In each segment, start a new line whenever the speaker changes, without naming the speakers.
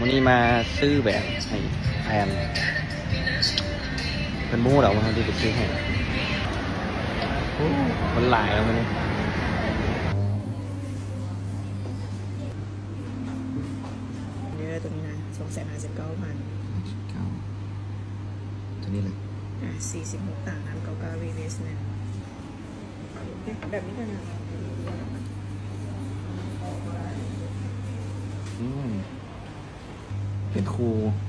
วันนี้มาซื้อแบบให้แฟนเป็นมู้เหรอวันที่ไปซื้อให้มันหลายแล้วมันนี่
เยอะตัวนี้นะ259,000
ตัวนี้เลย
46ต่างกัน99รีเวสเนี่ยแบบนี้กันนะ
เป็นครู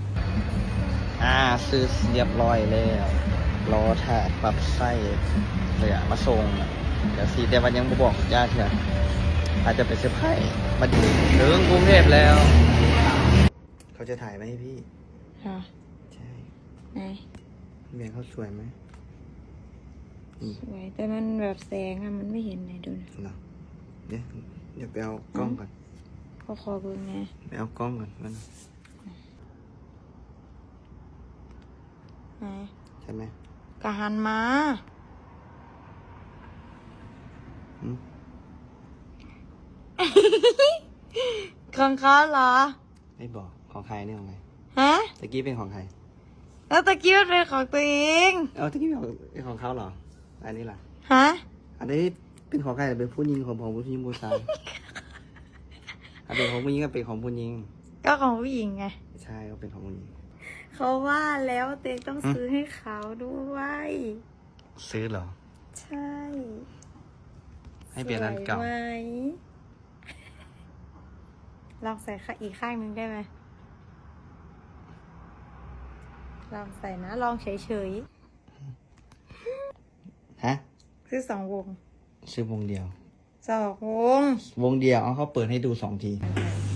ซื้อเรียบร้อยแล้วรอถ่ายปรับไส้เลยมาส่งเดี๋ยวสิแต่วันยังบ่บอกญาติเถอะอาจจะเป็นเซอร์ไพรส์มาถึงกรุงเทพแล้วเขาจะถ่ายไหมให้พี่
ค่ะ
ใช่
ไหน
เมียเขาสวยไหม
สวยแต่มันแบบแสงอะมันไม่เห็นไหนดูนะ
เนาะเดี๋ยวไปเอากล้องก่อน
ก็คอเบิ่งไง
ไปเอากล้องก่อนมัน
ไหน
ใช่ไหม
กะหันมา
อืม
ของเขาเหรอ
ไม่บอกของใครเนี่ยของใคร
ฮะ
ตะกี้เป็นของใคร
แล้วตะกี้มันเป็นของตัวเอง
ตะกี้เป็นของเขาเหรออันนี้ล่ะ
ฮะ
อันนี้เป็นของใครเป็นผู้หญิงของผู้หญิงผู้ชาย อันเป็นของผู้หญิงก็เป็นของผู้หญิง
ก็ของผู้หญิงไง
ใช่ก็เป็นของผู้หญิง
เขาว่าแล้วเต็งต้องซื้อให้เขาด้วย
ซื้อเหรอ
ใช่
ให้เปลี่ยนอันเก่า
สวยไหมลองใส่อีกข้างหนึ่งได้ไหมลองใส่นะ ลองเฉย
ฮะ
ๆซื้อ2 วง
ซื้อวงเดียว
2 วง
วงเดียวเอาเขาเปิดให้ดู2 ที